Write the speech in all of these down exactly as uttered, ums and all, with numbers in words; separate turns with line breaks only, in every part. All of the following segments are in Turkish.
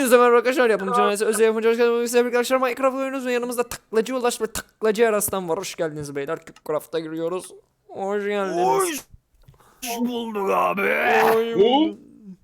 Hepinize merhaba arkadaşlar, yapımcı ailesi özel yapımcı arkadaşlar, arkadaşlar Minecraft oynuyoruz ve yanımızda taklacı Ulaş ve taklacı Eraslan var. Hoş geldiniz beyler, Craft'a giriyoruz. Hoş geldiniz.
Hoş bulduk abi.
Oy.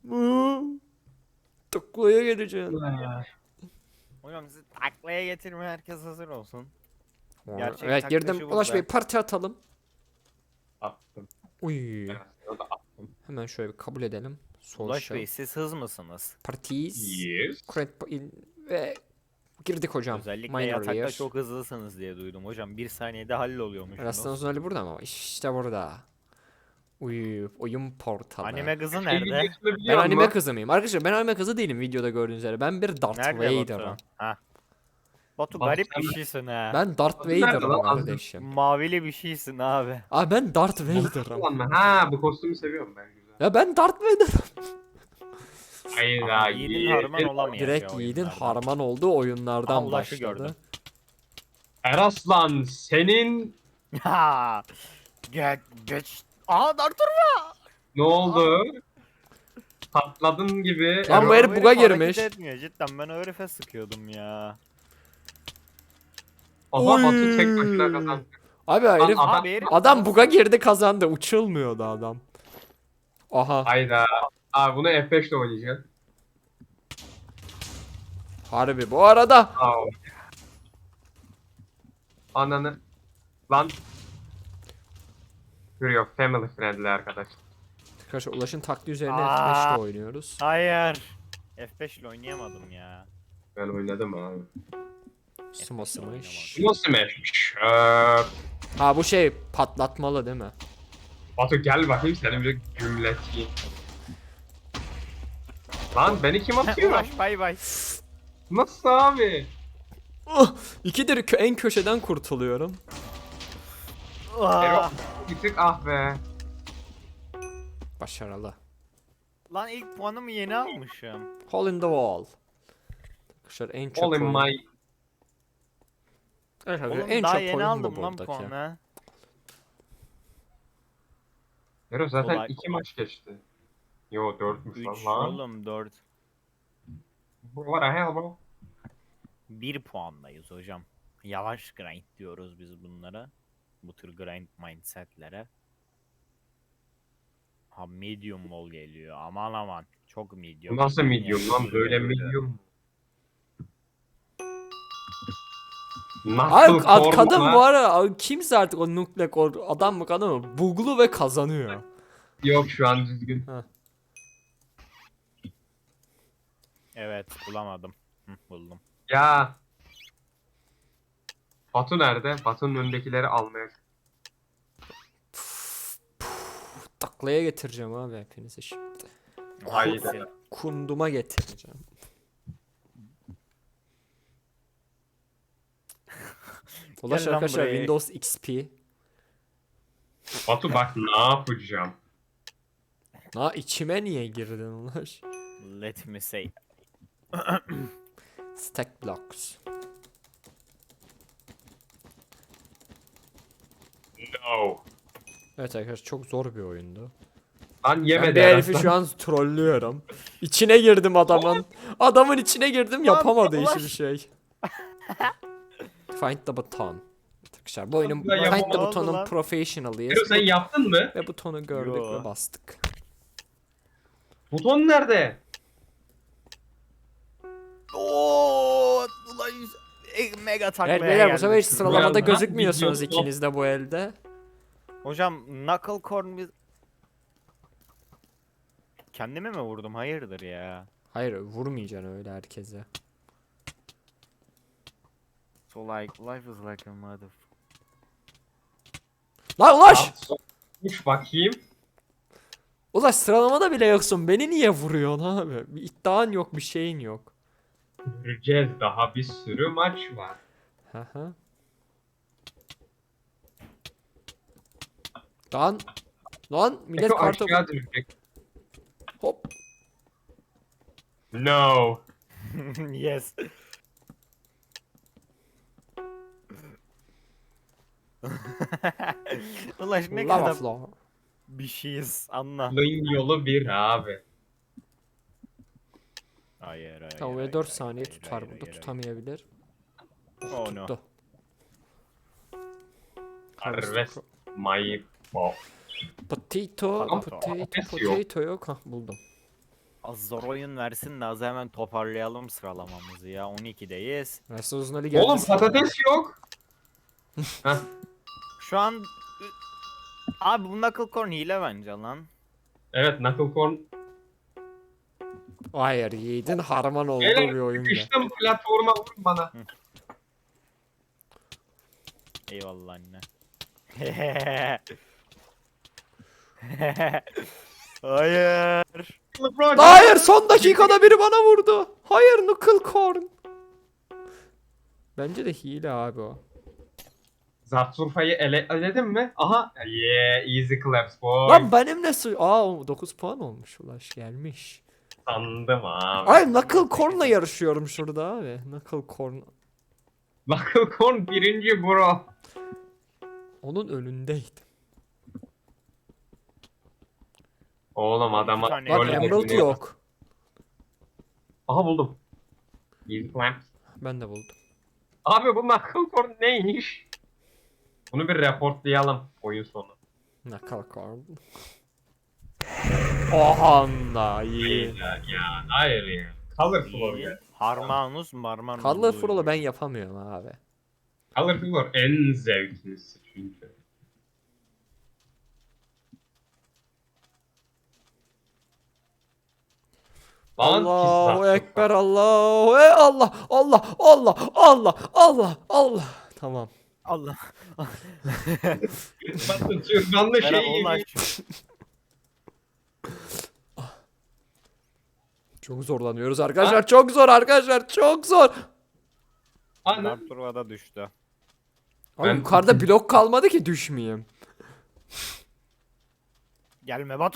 Taklaya geleceğim.
Hocam sizi taklaya getirmeye herkes hazır olsun. Gerçek
Evet,
taklacı
girdim.
burada.
Ulaş Bey, parti atalım.
Attım.
Uy.
Evet, o da attım.
Hemen şöyle bir kabul edelim.
Ulaş
Social.
Bey siz hız mısınız?
Parties.
Yes.
Create in- ve girdik hocam.
Özellikle
Minor
yatakta
year.
çok hızlısınız diye duydum hocam. Bir saniyede halloluyormuş.
Eraslan Uzunali burada mı? İşte burada. Uy, oyun portalı.
Anime kızı
Şey
nerede?
videosunu
Ben
biliyor
anime
musun?
kızı mıyım? Arkadaşlar ben anime kızı değilim videoda gördüğünüz üzere. Ben bir Darth
Nerede
Vader'ım.
Batu? Ha. Batu
Batu
garip
sen
bir
mi?
şeysin ha.
Ben Darth
Batu nerede
Vader'ım
lan?
kardeşim.
Mavili bir şeysin abi.
Abi ben Darth Vader'ım.
Ulan ben- Ha bu kostümü seviyorum ben güzel.
Ya ben Darth Vader'ım.
Hayır
Ama
ha
yiğidin harman olamayacak
Direkt
ya
Yiğit'in
oyunlarda.
harman olduğu oyunlardan
Aha, Ulaş'ı
başladı.
gördüm.
Eraslan senin
Ha. Geç geç. Aa Dartur mu?
ne oldu? Patladın gibi.
Lan bu
Erol-
herif buga
hareket
girmiş.
etmiyor cidden, ben o herife sıkıyordum ya.
Aha Batu tek başına kazandı.
Abi herif
Adam-
Abi herif
adam buga girdi, kazandı. Uçulmuyordu adam. Aha.
Hayda. Abi bunu F beş ile oynayacaksın.
Harbi bu arada.
Aa. Ananı. Lan. Görüyor family friendly arkadaş.
Arkadaşlar Ulaş'ın taktiği üzerine
Aa.
F beş'te oynuyoruz.
Hayır. F beş ile oynayamadım ya.
Ben oynadım abi.
Sumo smash.
Bu nasıl mapmiş? Ee,
Ha bu şey patlatmalı değil mi?
Batu gel bakayım seni bir gümleteyim. Lan beni kim atıyor?
Ulaş bay bay.
Nasıl abi?
Oh, ikidir kö- en köşeden kurtuluyorum.
Erol
Ah.
bir tık ah be.
Başarılı.
Lan ilk puanımı yeni almışım.
Hole in the wall. Arkadaşlar en çok
All in
oyun-
my...
Evet,
Oğlum
en
daha
çok
yeni
oyun bu
aldım lan
buradaki.
puanı.
Erol zaten
Kolay.
iki maç geçti. Yo dörtmüş
üç
lan lan.
oğlum dört.
What the hell bro?
bir puandayız hocam. Yavaş grind diyoruz biz bunlara. Bu tür grind mindsetlere. Ha medium wall geliyor. Aman aman. Çok medium.
Bu nasıl medium
Yani
lan? Böyle
böyle.
medium mu?
Abi
Nasıl
ad-
forma
kadın
lan?
bu ara abi, kimse artık o nukleek o adam mı kadın mı buglu ve kazanıyor.
Yok şu an düzgün.
Evet bulamadım. Hı, buldum.
Ya. Batu nerede? Batu'nun önündekileri almaya.
Taklaya getireceğim abi hepinizi şimdi.
Haydi.
Kunduma getireceğim. Ulaş
Gel lan
arkadaşlar
buraya.
Windows X P.
Batu bak ne yapacağım?
Ha içime niye girdin Ulaş?
Let me say.
Stack blocks.
No.
Evet arkadaşlar çok zor bir oyundu.
Lan
Ben
yemedi
bir herifi
Eraslan.
şu an trollüyorum. İçine girdim adamın. Adamın içine girdim, yapamadı
Ulaş.
hiçbir şey. Find the button. Arkadaşlar bu oyunun
Ulan
Find the
yapamadı
button'un
lan.
professional'ıyız.
Erol sen yaptın mı?
Ve butonu gördük
Yo.
ve bastık.
Buton nerede?
Oo, ulan e, mega taklaya
Evet beyler bu
geldim.
sefer hiç sıralamada
Biraz daha
gözükmüyorsunuz
video-
ikiniz de bu elde.
Hocam knuckle corn biz... Kendime mi vurdum? Hayırdır ya.
Hayır vurmayacaksın öyle herkese.
So like life is like a mother.
Lan Ulaş!
Uç bakayım.
Ulaş sıralamada bile yoksun. Beni niye vuruyorsun abi? Bir iddian yok, bir şeyin yok.
Göreceğiz daha bir sürü maç var.
Haha. Lan lan millet
Eko
kartı
aşağı düşecek.
hop.
No.
Yes. Ulaş ne
Lava
kadar
floor.
bir şeyiz anla.
Bunun yolu bir abi.
Hayır hayır.
Tamam ve
hayır,
dört
hayır,
saniye
hayır,
tutar
hayır,
burada.
hayır,
Tutamayabilir.
hayır. Oh no.
Tuttu.
Harvest my ball.
Potato,
Potato.
potato,
Patates yok.
potato yok. Hah buldum.
Az zor oyun versin de az hemen toparlayalım sıralamamızı ya. on ikideyiz.
Versus Ali geldi.
Oğlum patates yok. Heh.
Şu an... Abi bu Knuckle Corn hile bence lan.
Evet knuckle corn.
Hayır yiğidin harman olduğu
Beyler
bir oyunda.
sıkıştım platforma vurun bana.
Eyvallah anne. Hayır.
Hayır son dakikada biri bana vurdu. Hayır Knuckle Corn. Bence de hile abi o.
Zartsurfa'yı ele eledim mi? Aha. Yeah, easy claps boy.
Lan benim ne su... Aa dokuz puan olmuş Ulaş gelmiş.
Sandım abi.
Ay Knuckle Corn'la yarışıyorum şurada abi. Knuckle Corn.
Knuckle corn birinci bro.
Onun önündeydim.
Oğlum adama
tane
Bak
öyle
Emerald
dokunuyor.
yok.
Aha buldum. Easy claps.
Ben de buldum.
Abi bu knuckle corn neymiş? Bunu bir reportlayalım oyun sonu.
Knuckle Corn. Oha da iyi.
Ya, ya hayır ya. Colorful
İyi.
ya.
Harmanus marmanus.
Colorful'u ben yapamıyorum abi.
Colorful en zevklisi çünkü. Lan
Allahu
pizza.
Ekber Allahu e Allah Allah Allah Allah Allah Allah. Tamam.
Allah.
Bakın türbanlı
Merhaba
şey
Ulaş.
gibi.
Çok zorlanıyoruz arkadaşlar. Çok zor arkadaşlar. Çok zor.
Ana.
Artur'a düştü.
Abi
Ben-
yukarıda blok kalmadı ki düşmeyeyim.
Gelme Batu.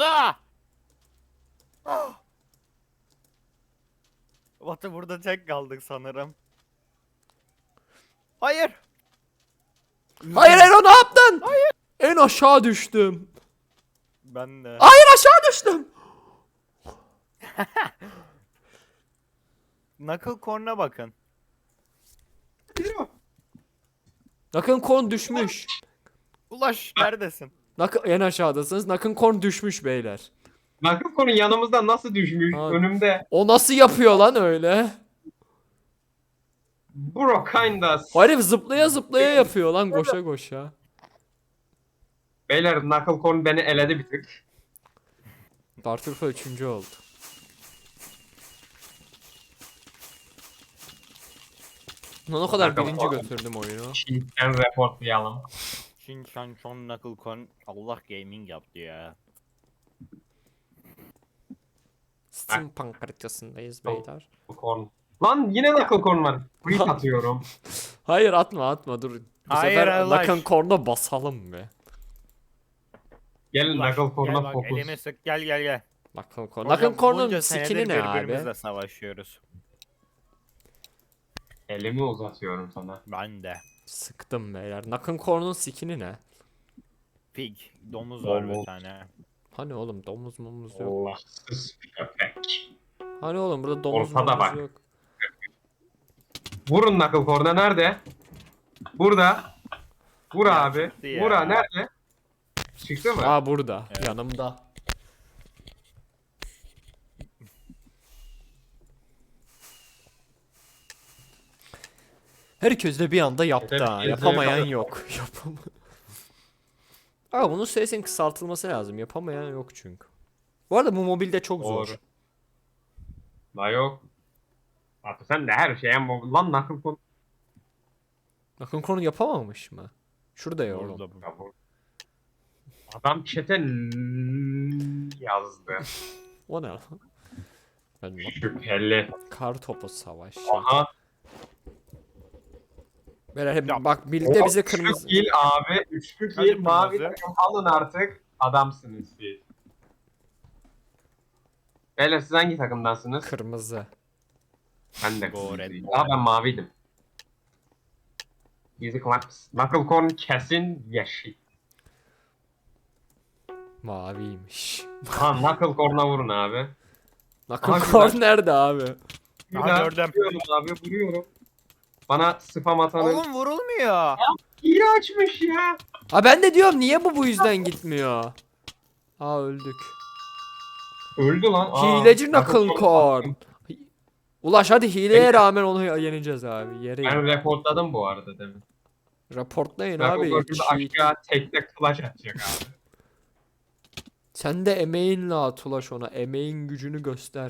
Batu burada tek kaldık sanırım. Hayır.
Hayır Ero ne yaptın? Hayır. En aşağı düştüm.
Ben de.
Hayır aşağı düştüm.
Knuckle Corn'a bakın.
Nakın Korn düşmüş.
Ulaş neredesin?
Nakın en aşağıdasınız. Nakın Korn düşmüş beyler.
Knuckle corn yanımızda nasıl düşmüş
Abi.
önümde.
O nasıl yapıyor lan öyle?
Bro kinda.
Herif zıplaya zıplaya yapıyor lan koşa koşa.
Beyler knuckle corn beni eledi bir tık.
Dartürfa üçüncü oldu. Lan o kadar
Knuckle
birinci
Corn.
götürdüm oyunu.
Şimdiden reportlayalım.
Shin Chan Chon Knuckle Corn Allah gaming yaptı ya.
Steampunk haritasındayız beyler.
Corn. Lan yine knuckle corn var. Freak atıyorum.
Hayır atma atma dur. Bu
Hayır,
sefer
Allah
Nakın
aşkına.
Korn'a basalım be.
Gelin
Ulaş,
knuckle
gel
corn'a
bak
fokus.
elimi sık gel gel gel.
Nakın Korn.
Hocam,
Nakın Korn'un
bunca
skill'i
senedir
ne abi?
birbirimizle savaşıyoruz.
Elimi uzatıyorum sana.
Ben de.
Sıktım beyler. Nakın Korn'un skill'i ne?
Pig. Domuz var bir
Domuz.
tane.
Hani oğlum domuz mumuz yok.
Allahsız köpek.
Hani oğlum burada domuz
Ortada
mumuz
bak.
yok.
Vurun knuckle corn'a nerede? Burada. Vur
Ya
abi.
çıktı ya.
Vur ha nerede? Çıktı mı?
Aa burada.
Evet.
Yanımda. Herkes de bir anda yaptı
Evet,
ha.
biz de
Yapamayan
yapalım.
yok. Yapama. Aa bunun süresinin kısaltılması lazım. Yapamayan yok çünkü. Bu arada bu mobilde çok
Doğru.
zor.
La yok. Artık sen de her şeye mobil. Lan knuckle corn.
Nakın Korn yapamamış mı? Şurada ya oğlum.
Orada bu.
Ya bu- Adam chat'e n- yazdı.
O ne lan? Ben bak.
Şüpheli.
Kar topu savaşı.
Aha.
Böyle hep
Ya.
bak birlikte
O
bize
üçlü
kırmızı.
kill abi. Üçlü
Hadi
kill. Mavi
kırmızı.
takım alın artık. Adamsınız siz. Beyler siz hangi takımdansınız?
Kırmızı.
Ben de
Go
kırmızıyım.
red.
Aa ben maviydim. Easy claps. Knuckle corn kesin yeşil.
Maviymiş.
Ha knuckle corn'a vurun abi.
Nakın
Aha,
Korn
güzel.
nerede abi?
Aha,
Güzel.
gördüm.
Vuruyorum abi vuruyorum. Bana spam atanın
Oğlum vurulmuyor.
iyi açmış ya.
Ha ben de diyorum niye bu bu yüzden gitmiyor? Aa öldük.
Öldü lan. Aa,
Hileci
Knuckle
Knuckle
Corn
Corn.
attım.
Ulaş hadi hileye
Beyler.
rağmen onu yeneceğiz abi. Yere
Ben
in.
reportladım bu arada demin.
Raportlayın
Knuckle
abi.
Corn şimdi
cheat.
aşağı tekte clutch atacak abi.
Sen de emeğinle at Ulaş ona. Emeğin gücünü göster.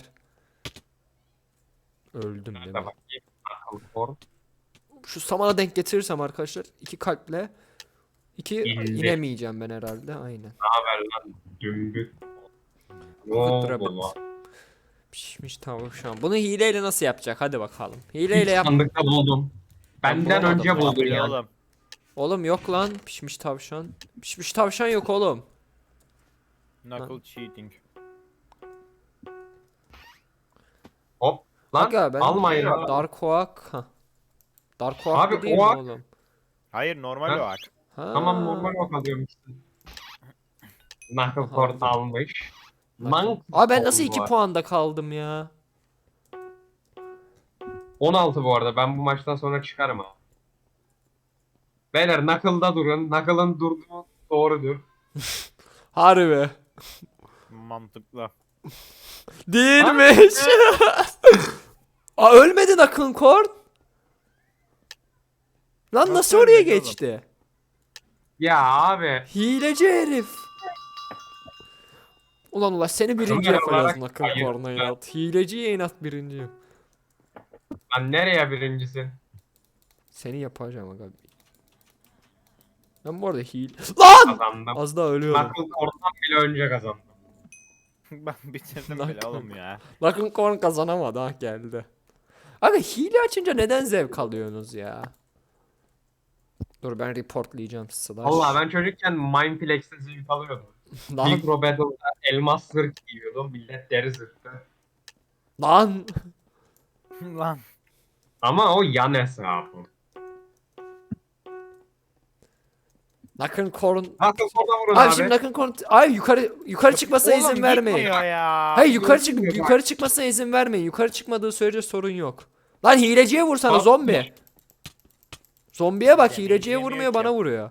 Öldüm değil
Nerede
mi?
bakayım? Knuckle Corn.
Şu samana denk getirirsem arkadaşlar iki kalple iki
İndi.
inemeyeceğim ben herhalde. Aynen.
Ne haber lan? Dümbük. Ne
Rabbit,
oldu
rabbit.
lan?
Pişmiş tavuk şu an. Bunu hileyle nasıl yapacak? Hadi bakalım. Hileyle
İlk
yap.
sandıkta buldum. Benden
bulamadım
önce
ya.
buldun
Yapıyor
ya.
oğlum.
Oğlum yok lan pişmiş tavşan. Pişmiş tavşan yok oğlum.
Knuckle cheating.
Hop. Lan
Aga ben
almayın abi.
Dark Oak. Hah. Dark Oak
Abi,
bu değil mi
Oak-
oğlum?
Hayır normal
Ha?
o ak.
Ha.
Tamam normal bak alıyormuşsun. Knuckle
Aha,
Corn
aldım.
almış.
Knuckle.
Lan
Abi ben nasıl
Corn
iki
var.
puanda kaldım ya?
on altı bu arada. Ben bu maçtan sonra çıkarım abi. Beyler Knuckle'da durun. Knuckle'ın durduğu doğrudur.
Harbi.
Mantıklı.
Değilmiş. Aa ölmedi Nakın Korn. Lan
Nasıl
nasıl oraya
ölmedi oğlum?
geçti?
Ya abi.
Hileci herif. Ulan ulaş seni birinci
Kamera
yapacağız
olarak
Nakın
hayır.
Korn'a inat. Hileciye inat birinci.
Lan nereye birincisi?
Seni yapacağım aga. Ben bu arada hile... Lan!
Kazandım.
Az daha ölüyorum.
Knuckle Corn'dan bile önce kazandım.
Ben bitirdim
Nakın.
bile oğlum ya.
Nakın Korn kazanamadı ha geldi. Abi hile açınca neden zevk alıyorsunuz ya? Dur ben reportlayacağım slash.
Allah ben çocukken Mindflex'te zevk alıyordum.
Lan,
Micro Battle'da elmas zırh giyiyordum. Millet deri zırhtı.
lan.
Lan.
Ama o yan hesabı.
Nakın Korn.
Knuckle Corn'a vurun
Abi,
abi.
şimdi Nakın Korn. Ay yukarı yukarı çıkmasına
Oğlum
izin vermeyin.
gitmiyor ya.
Hayır yukarı çık
Gitmiyor bak.
yukarı çıkmasına izin vermeyin. Yukarı çıkmadığı sürece sorun yok. Lan hileciye vursana
Bak-
zombi. Zombiye bak
Yani
hileciye
yemiyor
vurmuyor
ki.
bana vuruyor.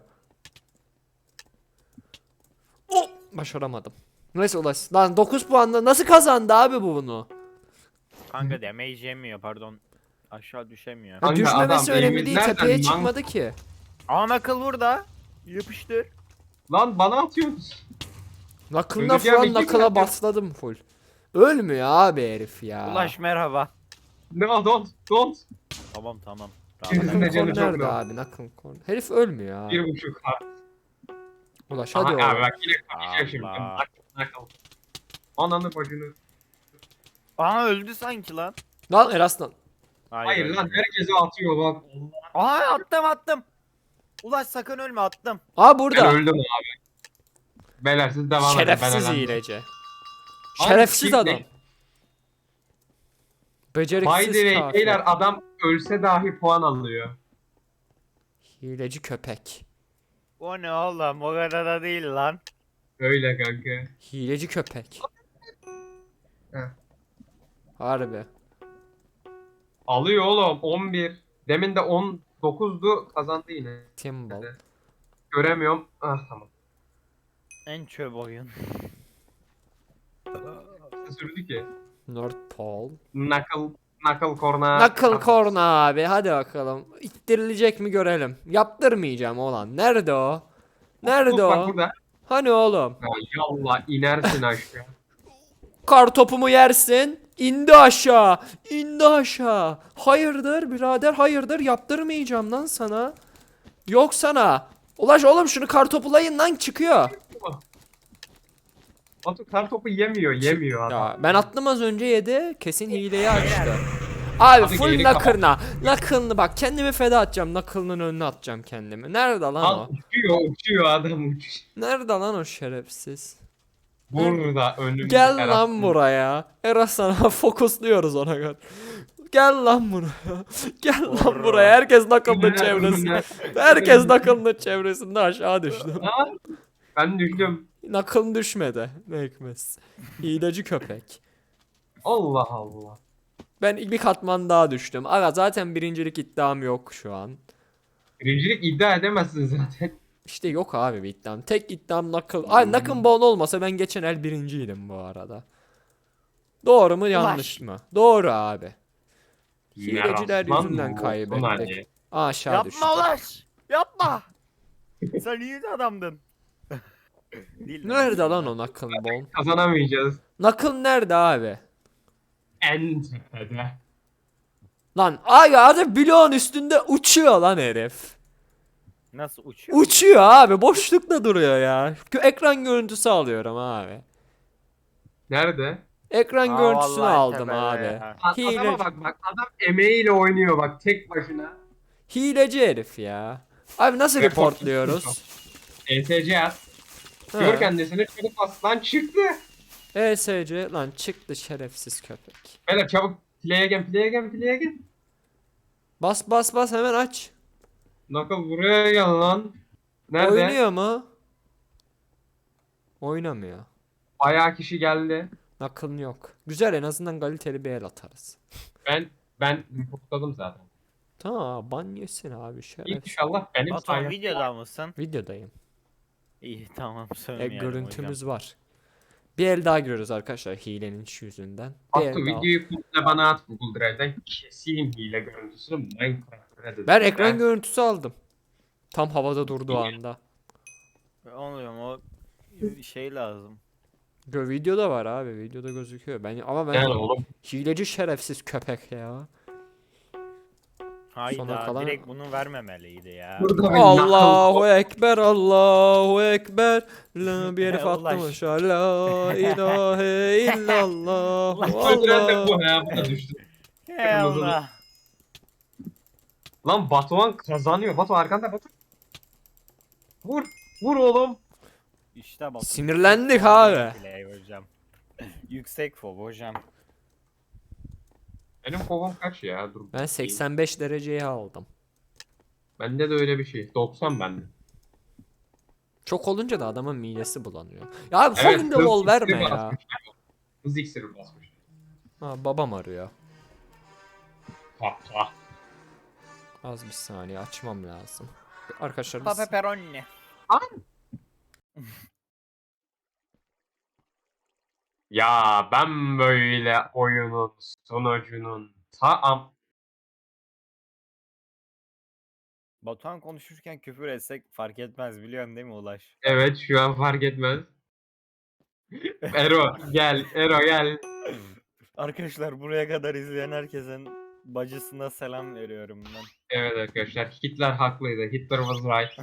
Oh, başaramadım. Neyse ulaş. Lan dokuz puanla nasıl kazandı abi bu bunu?
Kanka damage yemiyor pardon. Aşağı düşemiyor.
Ya
Kanka,
düşmemesi
adam
önemli değil
elimizden
tepeye
lan-
çıkmadı ki.
Aa Knuckle burada. Yapıştır.
Lan bana atıyorsunuz.
Nakılına
Öleceğim,
falan
iki
nakıla
dakika.
basladım full. Ölmüyor abi herif ya.
Ulaş merhaba.
No don't don't.
Tamam tamam.
Yüzünde
Nakın
canı
Korn
çok
nerede
low.
abi Nakın Korn? Herif ölmüyor abi.
Bir buçuk ha.
Ulaş
Aha,
hadi
abi
oğlum.
bak yine kapışacak şimdi.
Allah.
Bak Knuckle. Ananı bacını.
Aa öldü sanki lan.
Lan Eraslan.
Hayır lan
ölmüyor.
herkese atıyor bak.
Aa attım attım. Ulaş sakın ölme attım.
Aa
Ben
burada.
öldüm abi. Beyler siz devam edin.
Şerefsiz
ben elendim.
hileci.
Abi,
Şerefsiz
kim-
adam.
By
Beceriksiz
the way
kafir.
beyler adam ölse dahi puan alıyor.
Hileci köpek.
O ne oğlum o kadar da değil lan.
Öyle kanka.
Hileci köpek.
Heh.
Harbi.
Alıyor oğlum on bir. Demin de on dokuzdu kazandı yine.
Timbal.
Göremiyorum. Ah tamam.
En çöp oyun.
Ne sürdü ki?
North Pole.
Knuckle, Knuckle Corn'a.
Knuckle Corn abi hadi bakalım. İttirilecek mi görelim. Yaptırmayacağım olan. Nerede o? Nerede
Bak
o?
burada.
Hani oğlum?
Ya yallah inersin aşağı.
Kar topumu yersin. İndi aşağı. İndi aşağı. Hayırdır birader hayırdır yaptırmayacağım lan sana. Yok sana. Ulaş oğlum şunu kar topulayın lan çıkıyor.
Batu kar topu yemiyor, yemiyor adam.
Ya ben attım az önce yedi. Kesin hileyi açtı. Abi
Abi
full
geri
nakırna. Nakılını bak kendimi feda atacağım. Nakılının önüne atacağım kendimi. Nerede lan
Lan
o?
uçuyor, uçuyor adam uçuyor.
Nerede lan o şerefsiz?
Burada önümüzde.
Gel
Erasmus.
lan buraya. Eras sana fokusluyoruz ona kadar. Gel lan buraya. Gel lan
Burra.
buraya. Herkes nakılının
Önüne,
çevresinde.
önüne.
Herkes nakılının çevresinde aşağı düştü.
Ha? Ben düştüm.
Nakıl düşmedi. Ne hikmet. Hileci köpek.
Allah Allah.
Ben bir katman daha düştüm. Aga zaten birincilik iddiam yok şu an.
Birincilik iddia edemezsin zaten.
İşte yok abi bir iddiam. Tek iddiam Knuckle. Ay Knuckle Bone olmasa ben geçen el birinciydim bu arada. Doğru mu yanlış mı? Doğru abi. Hileciler
Yaraslan
yüzünden
mı?
kaybettik.
Hadi.
Aşağı düştük.
Yapma Ulaş. Yapma. Sen iyi de adamdın. Değil mi?
Nerede lan o Knuckle Bone?
Kazanamayacağız.
Knuckle nerede abi?
En tepede.
Lan ay adam bloğun üstünde uçuyor lan herif.
Nasıl uçuyor?
Uçuyor abi boşlukta duruyor ya. Gö- Ekran görüntüsü alıyorum abi.
Nerede?
Ekran
Aa,
görüntüsünü
vallahi
aldım
tepede
abi.
ya.
A-
Hile,
Adama bak bak adam emeğiyle oynuyor bak tek başına.
hileci herif ya. Abi nasıl
Report-
reportluyoruz?
E S C at.
Ha.
Gör kendisini çabuk bas lan çıktı.
E S C lan çıktı şerefsiz köpek.
Beyler çabuk play again play again play again.
Bas bas bas hemen aç.
Knuckle buraya gel lan. Nerede?
Oynuyor mu? Oynamıyor.
Bayağı kişi geldi.
Knuckle'ın yok. Güzel en azından kaliteli bir el atarız.
Ben ben reportladım zaten.
Tamam ban yesin abi şerefsiz.
İnşallah benim
Batuhan
sayemde.
videoda mısın?
Videodayım.
İyi tamam
E,
sövmeyelim
görüntümüz var. Bir el daha giriyoruz arkadaşlar hilenin şu yüzünden. Bir
Batu
el daha.
videoyu komple bana at Google Drive'den keseyim hile görüntüsünü Minecraft'ta dedim.
Ben ekran görüntüsü aldım. Tam havada durduğu anda.
hocam. Oluyor o şey lazım.
Gö videoda var abi. Videoda gözüküyor. Ben ama ben
Yani oğlum
hileci şerefsiz köpek ya.
Hayda
Sona kalan-
direkt bunu vermemeliydi ya.
burada bir
Allahu
knuckle-
ekber, Allahu ekber. La bir herif
Ulaş.
attım aşağı. La ilahe illallah.
Öldüren de
Allah.
bu ha bu da düştü.
Hey Allah.
Lan Batuhan kazanıyor. Batu arkanda Batu. Vur. Vur oğlum.
İşte bak.
Sinirlendik abi.
Play hocam. Yüksek fob hocam.
Benim kovam kaç ya? Dur.
Ben seksen beş dereceye aldım.
Bende de öyle bir şey. doksan bende.
Çok olunca da adamın midesi bulanıyor. Ya abi
Evet,
Holding'de
hız
wall verme
iksiri
ya.
basmış. Hız iksiri basmış.
Ha, babam arıyor.
Patla.
Az bir saniye açmam lazım. Arkadaşlar biz...
Pepperoni.
Ya ben böyle oyunun sonucunun tam
Batuhan konuşurken küfür etsek fark etmez biliyorsun değil mi Ulaş?
evet şu an fark etmez. Ero gel Ero gel.
Arkadaşlar buraya kadar izleyen herkesin bacısına selam veriyorum ben.
Evet arkadaşlar Hitler haklıydı. Hitler was right.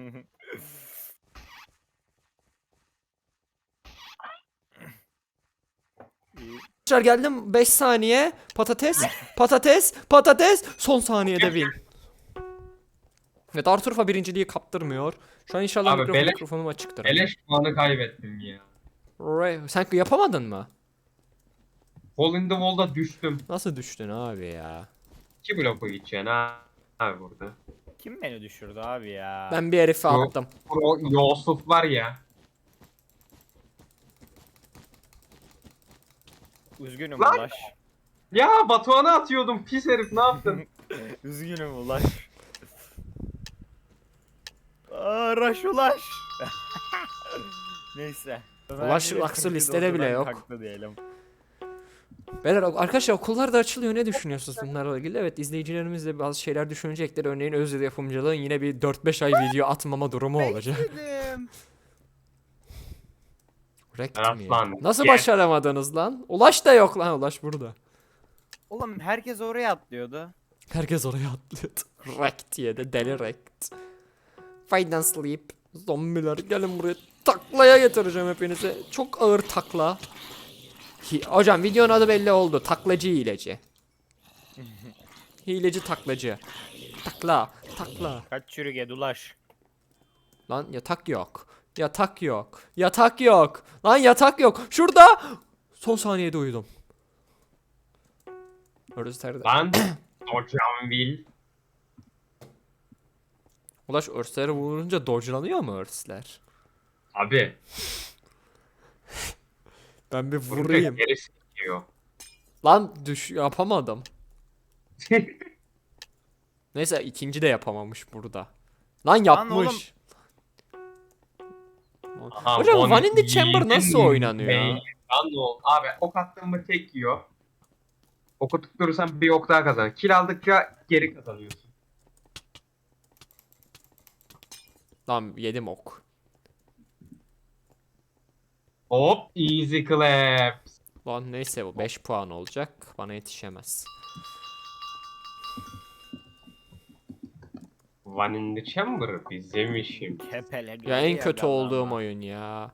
İyi.
Arkadaşlar geldim beş saniye. Patates, patates, patates. Son saniyede win. Evet Arturfa birinciliği kaptırmıyor. Şu an inşallah
Abi,
mikrofon,
beleş-
mikrofonum açıktır.
Beleş puanı kaybettim ya.
Ray- Sen yapamadın mı?
Hole in the wall'da düştüm.
Nasıl düştün abi ya?
İki bloku gideceksin ha. Abi burada.
Kim beni düşürdü abi ya?
Ben bir herifi
Yok.
attım.
Pro Yusuf var ya.
Üzgünüm
Lan!
Ulaş.
Ya Batuhan'a atıyordum pis herif ne yaptın?
Üzgünüm Ulaş. Aa, Raş Ulaş. Neyse.
Ulaş
Ömer
Aksu
yine
listede bile
ortadan
yok.
kalktı diyelim.
Beyler arkadaşlar okullar da açılıyor. Ne düşünüyorsunuz bunlarla ilgili? Evet izleyicilerimiz de bazı şeyler düşünecektir. Örneğin Özde yapımcılığın yine bir dört beş ay video atmama durumu olacak.
Dedim.
Rekt
Evet
mi ya?
lan,
Nasıl
gel.
başaramadınız lan? Ulaş da yok lan. Ulaş burada.
Oğlum herkes oraya atlıyordu.
Herkes oraya atlıyordu. Rekt diye de deli rekt. Fight and sleep. Zombiler gelin buraya. Taklaya getireceğim hepinizi. Çok ağır takla. Hi- Hocam videonun adı belli oldu. Taklacı hileci. Hileci taklacı. Takla. Takla.
Kaç çürüge Ulaş.
Lan yatak yok. Yatak yok. Yatak yok. Lan yatak yok. Şurada. Son saniyede uyudum. Örsler
Lan hocam Will.
Ulaş örsleri vurunca dodge'lanıyor mu örsler?
Abi.
Ben bir
Vurunca
vurayım.
gerisi gidiyor.
Lan düş yapamadım. Neyse ikinci de yapamamış burada. Lan yapmış.
Aha,
Hocam
onu
One in the Chamber
yedin
nasıl
mi?
oynanıyor?
Lan ne oldu? Abi ok attın mı tek yiyor. Oku tutturursan bir ok daha kazan. Kill aldıkça geri kazanıyorsun.
Lan yedim ok.
Hop easy clap.
Lan neyse bu beş puan olacak. Bana yetişemez.
One in the Chamber bizim işim.
Kepele
Ya en
geliyor
kötü
galiba.
olduğum oyun ya.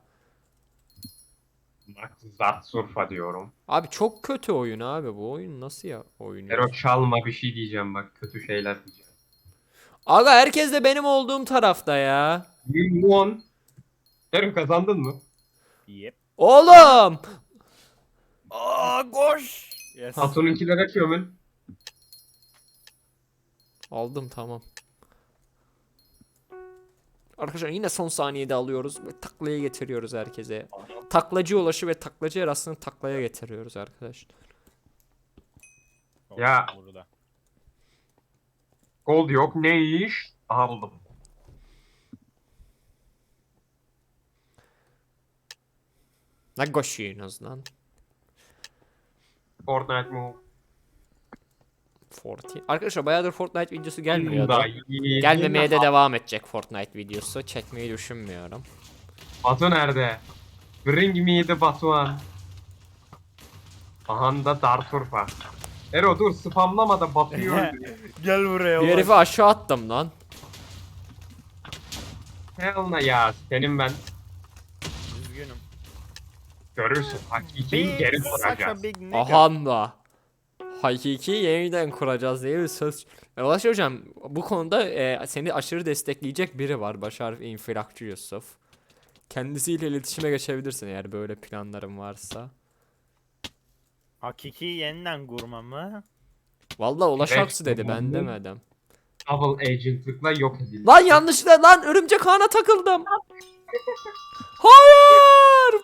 Bak zat surfa diyorum.
Abi çok kötü oyun abi, bu oyun nasıl ya oyun ya?
Ero çalma bir şey diyeceğim bak. Kötü şeyler diyeceğim.
Aga herkes de benim olduğum tarafta ya.
You won. Ero kazandın mı?
Yep.
Oğlum!
Aa koş. Yes.
Hatun'unkilere kömül.
Aldım tamam. Arkadaşlar yine son saniyede alıyoruz ve taklaya getiriyoruz herkese. Taklacı ulaşı ve taklacı arasını taklaya getiriyoruz arkadaşlar.
Ya.
Burada.
Gold yok. Ne iş? Aldım.
Ne koşuyorsunuz lan?
Fortnite move.
Fortnite. Arkadaşlar bayağıdır Fortnite videosu gelmiyordu.
Da iyi.
Gelmemeye de devam edecek Fortnite videosu. Çekmeyi düşünmüyorum.
Batu nerede? Bring me the Batuhan. Aha da Darturfa. Ero dur spamlama da Batu'yu öldür.
Gel buraya.
Bir herifi aşağı attım lan.
Hell ne ya senin ben
Üzgünüm.
görürsün. Hakikiyi geri soracağız.
Aha da. Hakiki yeniden kuracağız diye bir söz. E, Ulaş hocam bu konuda e, seni aşırı destekleyecek biri var. Başar İnfilakçı Yusuf. Kendisiyle iletişime geçebilirsin eğer böyle planların varsa.
Hakiki yeniden kurma mı?
Vallahi Ulaş
Evet,
Aksu dedi, ben
bu-
demedim.
Double agentlıkla yok edildi.
Lan yanlışlıkla lan örümcek ağına takıldım. Hayır.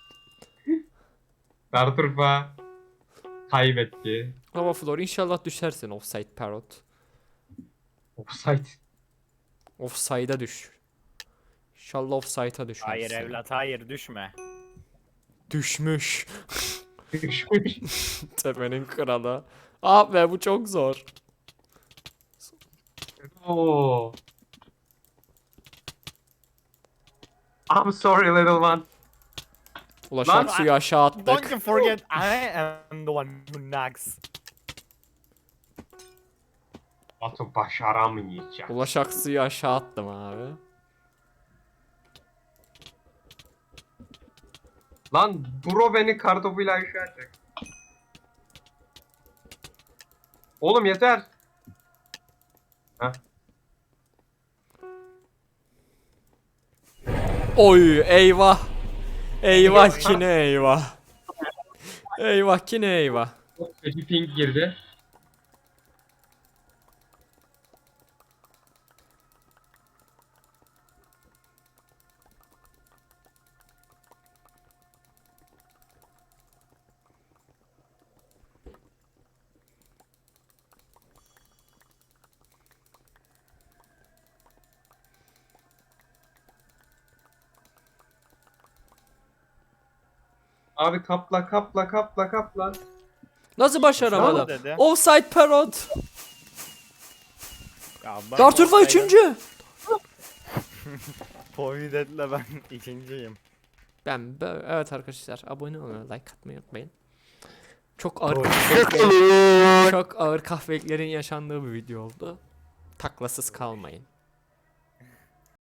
Darturfa kaybetti.
Hava Flor inşallah düşersin offside parrot.
Offside.
Offside'a düş. İnşallah offside'a düşersin.
Hayır evlat hayır düşme.
Düşmüş.
Düşmüş.
Tepenin kralı. Ah be bu çok zor.
Oo. I'm sorry little one.
Ulaş
Lan-
Aksu'yu aşağı
Don't
attık.
you forget I am the one who knocks.
Batu başaramayacak.
Ulaş Aksu'yu aşağı attım abi.
Lan bro beni kartopuyla aşağı atacak. Oğlum yeter. Heh.
Oy eyvah. Eyvah yine eyvah. Eyvah yine eyvah.
Çok kötü ping girdi. Abi kapla kapla kapla kapla.
Nasıl başaramadım?
Dedi.
Offside parrot.
Ya ben
Darturfa
olsaydım-
üçüncü.
Povidet'le ben ikinciyim.
Ben bö- evet arkadaşlar abone olmayı, like atmayı unutmayın. Çok ağır
Oy.
kahveliklerin, çok ağır kahveliklerin yaşandığı bir video oldu. Taklasız kalmayın.